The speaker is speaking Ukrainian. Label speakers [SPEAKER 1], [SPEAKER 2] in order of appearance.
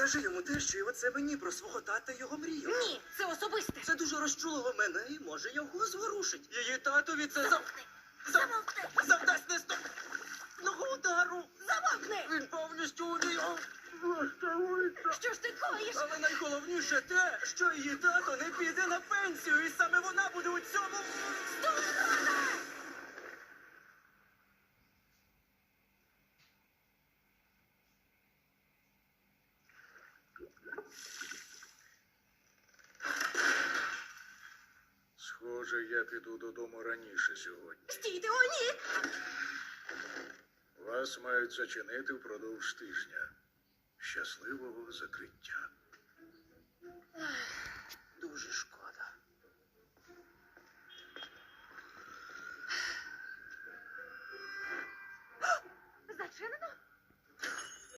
[SPEAKER 1] Скажи йому те, що і оце мені про свого тата й його мрію.
[SPEAKER 2] Ні, це особисте.
[SPEAKER 1] Це дуже розчулило мене і може його зворушить. Її татові це
[SPEAKER 2] Замовкни!
[SPEAKER 1] завдасть наступного удару.
[SPEAKER 2] Замовкни!
[SPEAKER 1] Він повністю у ній влаштовується.
[SPEAKER 2] Що ж ти коїш?
[SPEAKER 1] Але найголовніше те, що її тато не піде на пенсію, і саме вона буде у цьому.
[SPEAKER 3] Схоже, я піду додому раніше сьогодні.
[SPEAKER 2] Стійте, о ні!
[SPEAKER 3] Вас мають зачинити впродовж тижня. Щасливого закриття.
[SPEAKER 1] Дуже шкода.
[SPEAKER 2] Зачинено?